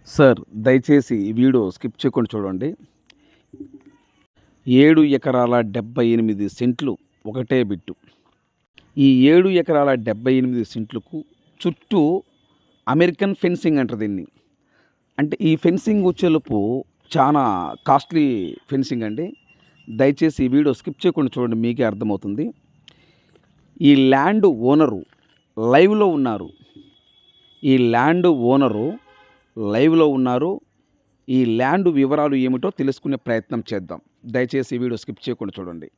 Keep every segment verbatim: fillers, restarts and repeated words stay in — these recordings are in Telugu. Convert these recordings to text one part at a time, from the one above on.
సార్ దయచేసి ఈ వీడియో స్కిప్ చేయకుండా చూడండి. ఏడు ఎకరాల డెబ్బై ఎనిమిది సెంట్లు ఒకటే బిట్టు. ఈ ఏడు ఎకరాల డెబ్బై ఎనిమిది సెంట్లకు చుట్టూ అమెరికన్ ఫెన్సింగ్ అంటారు దీన్ని. అంటే ఈ ఫెన్సింగ్ వచ్చేలోపు చాలా కాస్ట్లీ ఫెన్సింగ్ అండి. దయచేసి ఈ వీడియో స్కిప్ చేయకుండా చూడండి, మీకే అర్థమవుతుంది. ఈ ల్యాండ్ ఓనరు లైవ్లో ఉన్నారు. ఈ ల్యాండ్ ఓనరు లైవ్లో ఉన్నారు. ఈ ల్యాండ్ వివరాలు ఏమిటో తెలుసుకునే ప్రయత్నం చేద్దాం. దయచేసి ఈ వీడియో స్కిప్ చేయకుండా చూడండి.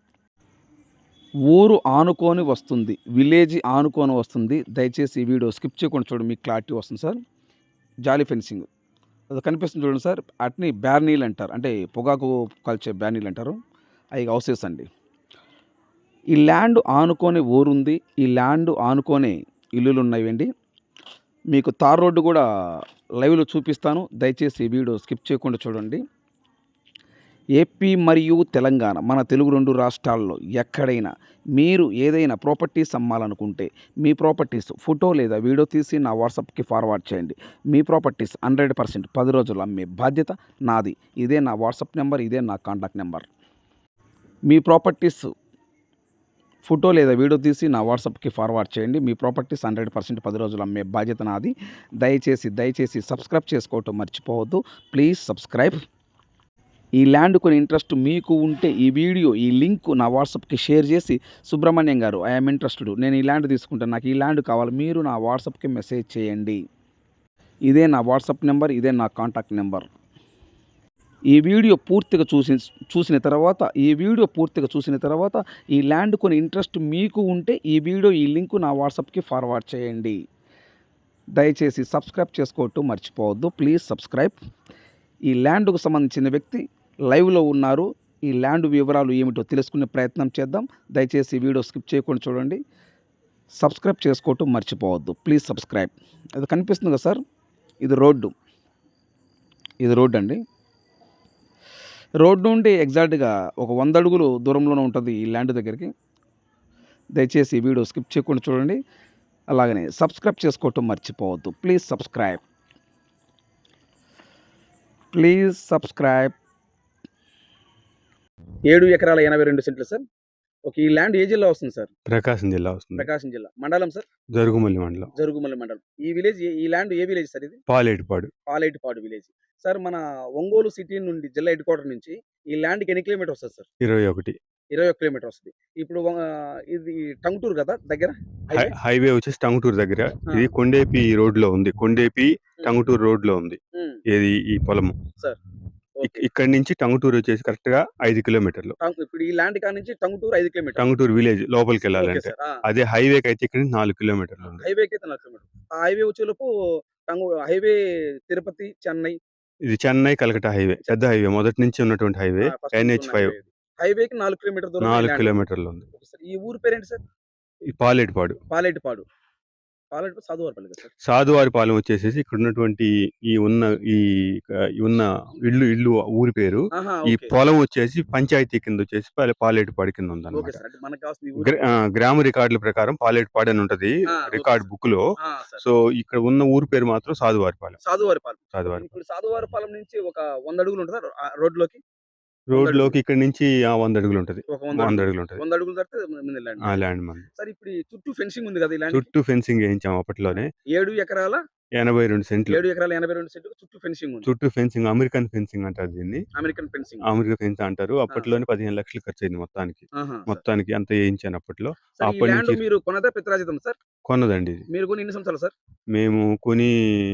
ఊరు ఆనుకొని వస్తుంది, విలేజ్ ఆనుకొని వస్తుంది. దయచేసి ఈ వీడియో స్కిప్ చేయకుండా చూడండి, మీకు క్లారిటీ వస్తుంది సార్. జాలీ ఫెన్సింగ్ అది కనిపిస్తుంది చూడండి సార్. అట్ని బ్యార్నీలు అంటారు, అంటే పొగాకు కాల్చే బ్యార్నీలు అంటారు. అవి హౌసెస్ అండి. ఈ ల్యాండ్ ఆనుకొని ఊరుంది, ఈ ల్యాండ్ ఆనుకొని ఇల్లులు ఉన్నాయండి. మీకు తార్ రోడ్డు కూడా లైవ్లో చూపిస్తాను. దయచేసి ఈ వీడియో స్కిప్ చేయకుండా చూడండి. ఏపీ మరియు తెలంగాణ, మన తెలుగు రెండు రాష్ట్రాల్లో ఎక్కడైనా మీరు ఏదైనా ప్రాపర్టీస్ అమ్మాలనుకుంటే మీ ప్రాపర్టీస్ ఫోటో లేదా వీడియో తీసి నా వాట్సాప్కి ఫార్వర్డ్ చేయండి. మీ ప్రాపర్టీస్ హండ్రెడ్ పర్సెంట్ పది రోజులు అమ్మే బాధ్యత నాది. ఇదే నా వాట్సాప్ నెంబర్, ఇదే నా కాంటాక్ట్ నెంబర్. మీ ప్రాపర్టీస్ ఫోటో లేదా వీడియో తీసి నా వాట్సాప్కి ఫార్వర్డ్ చేయండి. మీ ప్రాపర్టీస్ హండ్రెడ్ పర్సెంట్ పది రోజులు అమ్మే బాధ్యత నాది. దయచేసి దయచేసి సబ్స్క్రైబ్ చేసుకోవటం మర్చిపోవద్దు. Please subscribe. ఈ ల్యాండ్ కొని ఇంట్రెస్ట్ మీకు ఉంటే ఈ వీడియో, ఈ లింక్ నా వాట్సాప్కి షేర్ చేసి, సుబ్రహ్మణ్యం గారు ఐఎమ్ ఇంట్రెస్టెడ్, నేను ఈ ల్యాండ్ తీసుకుంటాను, నాకు ఈ ల్యాండ్ కావాలి, మీరు నా వాట్సాప్కి మెసేజ్ చేయండి. ఇదే నా వాట్సాప్ నెంబర్, ఇదే నా కాంటాక్ట్ నెంబర్. ఈ వీడియో పూర్తిగా చూసి చూసిన తర్వాత ఈ వీడియో పూర్తిగా చూసిన తర్వాత ఈ ల్యాండ్ కొని ఇంట్రెస్ట్ మీకు ఉంటే ఈ వీడియో, ఈ లింక్ నా వాట్సాప్కి ఫార్వర్డ్ చేయండి. దయచేసి సబ్స్క్రైబ్ చేసుకోవటం మర్చిపోవద్దు. Please subscribe. ఈ ల్యాండ్కు సంబంధించిన వ్యక్తి లైవ్లో ఉన్నారు. ఈ ల్యాండ్ వివరాలు ఏమిటో తెలుసుకునే ప్రయత్నం చేద్దాం. దయచేసి ఈ వీడియో స్కిప్ చేయకుండా చూడండి. సబ్స్క్రైబ్ చేసుకోవటం మర్చిపోవద్దు. Please subscribe. అది కనిపిస్తుంది కదా సార్, ఇది రోడ్డు. ఇది రోడ్డు అండి. రోడ్డు నుండి ఎగ్జాక్ట్గా ఒక వంద అడుగులు దూరంలోనే ఉంటుంది ఈ ల్యాండ్ దగ్గరికి. దయచేసి ఈ వీడియో స్కిప్ చేయకుండా చూడండి. అలాగనే సబ్స్క్రైబ్ చేసుకోవటం మర్చిపోవద్దు. Please subscribe. Please subscribe. ఏడు ఎకరాల ఎనభై రెండు సెంట్లు సార్. ఒక ఈ ల్యాండ్ ఏ జిల్లా వస్తుంది సార్? ప్రకాశం జిల్లా వస్తుంది. ప్రకాశం జిల్లా. మండలం సార్? జరుగుమల్లి మండలం. జరుగుమల్లి మండలం. ఈ విలేజ్, ఈ ల్యాండ్ ఏ విలేజ్ సార్ ఇది? పాలేటిపాడు. పాలేటిపాడు విలేజ్. సార్ మన ఒంగోలు సిటీ నుండి, జిల్లా హెడ్ క్వార్టర్ నుంచి ఈ ల్యాండ్కి ఎన్ని కిలోమీటర్ వస్తుంది సార్? ఇరవై ఒకటి ఇరవై ఒక కిలోమీటర్ వస్తుంది. ఇప్పుడు ఇది టంగుటూరు కదా దగ్గర? హైవే వచ్చేసి టంగుటూరు దగ్గర. ఇది కొండేపి రోడ్ లో ఉంది. కొండేపి టంగుటూరు రోడ్ లో ఉంది ఏది ఈ పొలము సార్. ఇక్కడ నుంచి టంగుటూరు వచ్చేసి కరెక్ట్ గా ఐదు కిలోమీటర్లు. ఇప్పుడు ఈ ల్యాండ్ కాడ నుంచి టంగుటూరు ఐదు కిలోమీటర్. టంగుటూరు విలేజ్ లోపలికి వెళ్ళాలంటే. అదే హైవేకి అయితే ఇక్కడ నుంచి నాలుగు కిలోమీటర్లు ఉంది. హైవేకి అయితే నాలుగు కిలోమీటర్లు. ఆ హైవే వచ్చేలోపు టంగు హైవే తిరుపతి, చెన్నై. ఇది చెన్నై కలకటా హైవే, పెద్ద హైవే, మొదటి నుంచి ఉన్నటువంటి హైవే. ఎన్హెచ్ ఫైవ్ హైవేకి నాలుగు కిలోమీటర్ దూరం, నాలుగు కిలోమీటర్లు ఉంది. ఈ ఊరు పేరేంటి సార్? ఈ పాలేటిపాడు. పాలేటిపాడు. పాలేటిపాడు సాధువారిపాలెం కదా సార్? సాధువారిపాలెం వచ్చేసేసి ఇక్కడ ఉన్నటువంటి ఈ ఉన్న ఈ ఉన్న ఇల్లు ఇల్లు ఊరి పేరు. ఈ పొలం వచ్చేసి పంచాయతీ కింద వచ్చేసి పాలేటిపాడు కింద ఉంది అన్నమాట. గ్రామ రికార్డుల ప్రకారం పాలేటిపాడు అని ఉంటది రికార్డ్ బుక్ లో. సో ఇక్కడ ఉన్న ఊరి పేరు మాత్రం సాధువారిపాలెం. సాధువారిపాలెం. సాధువారిపాలెం. ఇప్పుడు సాధువారిపాలెం నుంచి ఒక వంద అడుగులు ఉంటుందా రోడ్లోకి? రోడ్ లోకి ఇక్కడ నుంచి వంద అడుగులు ఉంటది. వంద అడుగులు ఉంటది. వంద అడుగులు దాటితే ల్యాండ్ మంది. సార్ ఇప్పుడు చుట్టూ ఫెన్సింగ్ ఉంది కదా? చుట్టూ ఫెన్సింగ్ వేయించాం అప్పట్లోనే. ఏడు ఎకరాల ఎనభై రెండు సెంట్లు. ఏడు ఎకరాల ఎనభై రెండు సెంట్లు చుట్టూ ఫెన్సింగ్ ఉంది. చుట్టూ ఫెన్సింగ్, అమెరికన్ ఫెన్సింగ్ అంటారు దీన్ని. American fencing. అమెరికన్ ఫెన్స్ అంటారు. అప్పట్లోనే పదిహేను లక్షలు ఖర్చు అయింది మొత్తానికి. మొత్తానికి అంత వేయించాను అప్పట్లో. అప్పటి నుంచి మీరు కొన్నదా పిత్రాజితం సార్? కొన్నదండి. మీరు కొని ఎన్ని సంవత్సరాలు సార్? మేము కొని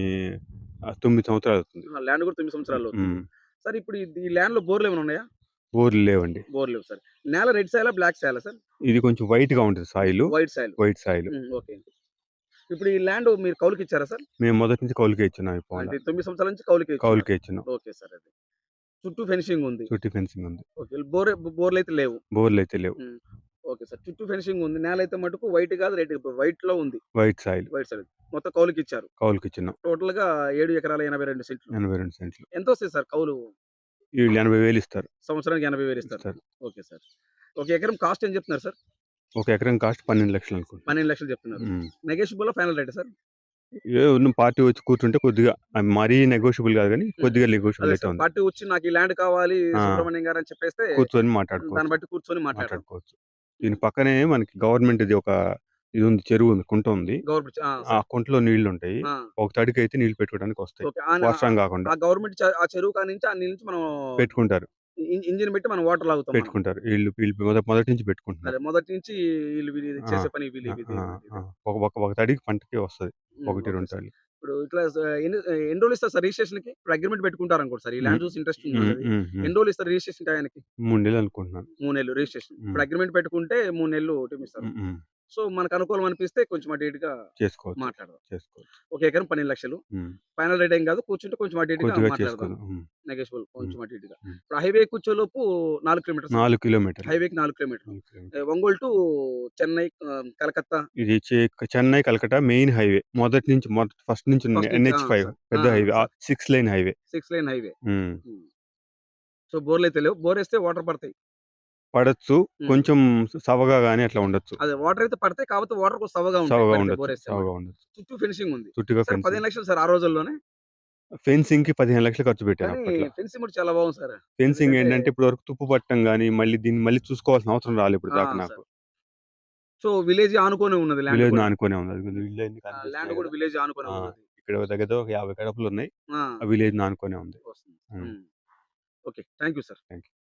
తొమ్మిది సంవత్సరాలు అవుతుంది. ల్యాండ్ కూడా తొమ్మిది సంవత్సరాలు అవుతుంది సార్. ఇప్పుడు ఈ ల్యాండ్ లో బోర్లు ఏమైనా ఉన్నాయా? బోర్లు లేవండి. బోర్ లేవు సార్. నేల రెడ్ సాయిలా, బ్లాక్ సాయిలా సార్? ఇది కొంచెం వైట్ గా ఉంటుంది soil. White soil. White soil. Okay. ఇప్పుడు ఈ ల్యాండ్ మీరు కౌలుకి ఇచ్చారా సార్? మేము మొదటి నుంచి కౌలుకే ఇచ్చినాం. తొమ్మిది సంవత్సరాల నుంచి కౌలుకే కౌలుకే ఇచ్చినాం. Okay sir. అది చుట్టూ ఫెన్సింగ్ ఉంది. చుట్టూ ఫెన్సింగ్ ఉంది. ఓకే. బోర్ బోర్లు అయితే లేవు. బోర్లు అయితే లేవు. Okay sir. చుట్టూ ఫెన్సింగ్ ఉంది. నేల అయితే మటుకు వైట్ కాదు, రెడ్, వైట్ లో ఉంది. White soil. White soil. మొత్తం కౌలుకి ఇచ్చారు. కౌలుకి ఇచ్చినాం. టోటల్ గా ఏడు ఎకరాల ఎనభై రెండు సెంట్లు. ఎనభై రెండు సెంట్లు. ఎంత వస్తుంది సార్ కౌలు? వీళ్ళు ఎనభై వేలు ఇస్తారు. సంవత్సరానికి ఎనభై వేలు ఇస్తారు. Okay sir. ఒక ఎకరం కాస్ట్ ఏం చెప్తున్నారు సార్? ఒక ఎకరం కాస్ట్ పన్నెండు లక్షలు అనుకుంటున్నారు. పన్నెండు లక్షలు చెప్తున్నారు. Negotiable final rate sir? ఏ ఉన్న పార్టీ వచ్చి కూర్చుంటే కొద్దిగా ఆహ్, మరీ నెగోషియబుల్ కాదు గానీ, హ్మ్. కొద్దిగా నెగోషియబుల్ అదే అయితే సార్. ఉంది. పార్టీ వచ్చి నాకు ఈ ల్యాండ్ కావాలి ఆ! సుబ్రహ్మణ్యం గారు అని చెప్పేస్తే కూర్చొని దాన్ని మాట్లాడుకోవచ్చు. బట్టి కూర్చొని మాట్లాడతాం. మాట్లాడుకోవచ్చు. దీని పక్కనే మనకి గవర్నమెంట్‌ది ఒక ఇది ఉంది. చెరువు ఉంది. కుంట ఉంది. గవర్నమెంట్ ఆ! ఆ సార్. కుంటలో నీళ్లుంటాయి. ఆ! ఒక తడికైతే నీళ్లు పెట్టుకోవడానికి వస్తాయి. ఓకే. ఆన వర్షం గాకుండా. ఆ గవర్నమెంట్ చ ఆ చెరువు కాడ నుంచి ఆ నీళ్ళు నుంచి మనం పెట్టుకుంటారు. ఇ ఇంజిన్ పెట్టి మనం వాటర్ లాగుతాం మనం. పెట్టుకుంటారు. ఈళ్ళు వీళ్ళు మొద మొదటి నుంచి పెట్టుకుంటున్నారు. అదే మొదటి నుంచి వీళ్ళు వీళ్ళు ఆ! చేసే పని వీళ్ళు ఆ! ఇదే ఆ! ఇదే. ఆ! ఒక ఒక ఒక తడికి పంటకి వస్తది. హ్మ్. ఒకటి, ఓకే రెండు సార్. తడులు. ఇప్పుడు ఇట్లా స ఎన్ని ఎన్ని రోజులు ఇస్తారు సార్ రిజిస్ట్రేషన్‌కి? ఇప్పుడు అగ్రీమెంట్ పెట్టుకుంటారనుకోండి సార్. ఈ హ్మ్. ల్యాండ్ చూసి ఇంట్రెస్ట్ హ్మ్. ఉందన్నది. హ్మ్. హ్మ్. ఎన్ని రోజులు ఇస్తారు రిజిస్ట్రేషన్ టయానికి? మూడు నెలలు అనుకుంటున్నాను. మూడు నెలలు రిజిస్ట్రేషన్. హ్మ్. ఇప్పుడు అగ్రీమెంట్ పెట్టుకుంటే మూడు నెలలు టైమ్ ఇస్తారు. హ్మ్. హ్మ్. సో, మనకు అనుకూలం అనిపిస్తే కొంచెం అటు ఇటుగా చేసుకోవచ్చు. మాట్లాడదాం. చేసుకోవచ్చు. ఒక ఎకరం పన్నెండు లక్షలు హ్మ్. ఫైనల్ రేట్ ఏం కాదు. కూర్చుంటే కొంచెం అటు ఇటుగా కొద్దిగా మాట్లాడదాం. చేసుకుందాం. హ్మ్. నెగోషియబుల్ హ్మ్. కొంచెం అటు ఇటుగా. హ్మ్. ఇప్పుడు హైవే కూర్చోలోపు నాలుగు కిలోమీటర్సా? నాలుగు కిలోమీటర్లు. హైవేకి నాలుగు కిలోమీటర్లు. నాలుగు ఆహ్, కిలోమీటర్లు. ఒంగోలు టు చెన్నై ఆహ్, కలకత్తా ఇది చె చెన్నై, కలకట్టా మెయిన్ హైవే. మొదటి నుంచి మొదటి ఫస్ట్ నుంచి ఉన్న ఫస్ట్ నుంచి ఆ! NH five sir. ఆ! పెద్ద హైవే. సార్. ఆహ్, ఆరు లేన్ హైవే. ఆరు లేన్ హైవే. హ్మ్. హ్మ్. సో, బోర్‌లయితే లేవు. బోరేస్తే వాటర్ పడతాయి. పడొచ్చు. హ్మ్. కొంచెం సవగా గాని అట్లా ఉండొచ్చు. అదే వాటర్ అయితే పడతాయి. కాకపోతే వాటర్ కొంచెం సవ్వగా ఉంటాయి. సవగా పడితే ఉండొచ్చు. బోరేస్తే సవగా మనకి. ఉండొచ్చు. చుట్టూ ఫెన్సింగ్ ఉంది. చుట్టూగా సరే ఫెన్సింగ్. పదిహేను లక్షలు సార్ ఆ రోజుల్లోనే. ఫెన్సింగ్‌కి పదిహేను లక్షలు ఖర్చు పెట్టాను కానీ అప్పట్లో. ఫెన్సింగ్ కూడా చాలా బాగుంది సార్. ఫెన్సింగ్ ఎందుకంటే ఏంటంటే ఇప్పటి వరకు తుప్పు పట్టడం గాని, మళ్ళీ దీన్ని మళ్ళీ చూసుకోవాల్సిన అవసరం రాలే ఇప్పటి ఆ! దాకా నాకు. సార్. సో, విలేజ్ ఆనుకోని ఉన్నది ల్యాండ్ విలేజ్‌ని కూడా. ఆనుకునే ఉంది. అదిగో ఇళ్ళన్నీ ఆ! ల్యాండ్ కనిపిస్తున్నాయి కూడా గదా! విలేజ్ ఆనుకునే ఆ! ఉన్నది. ఇక్కడ దగ్గర దగ్గర ఒక యాభై గడపలున్నాయి. ఆ! ఆ విలేజ్‌ని ఆనుకునే ఉంది. వస్తుంది. హ్మ్. హ్మ్. Okay. Thank you sir. Thank you.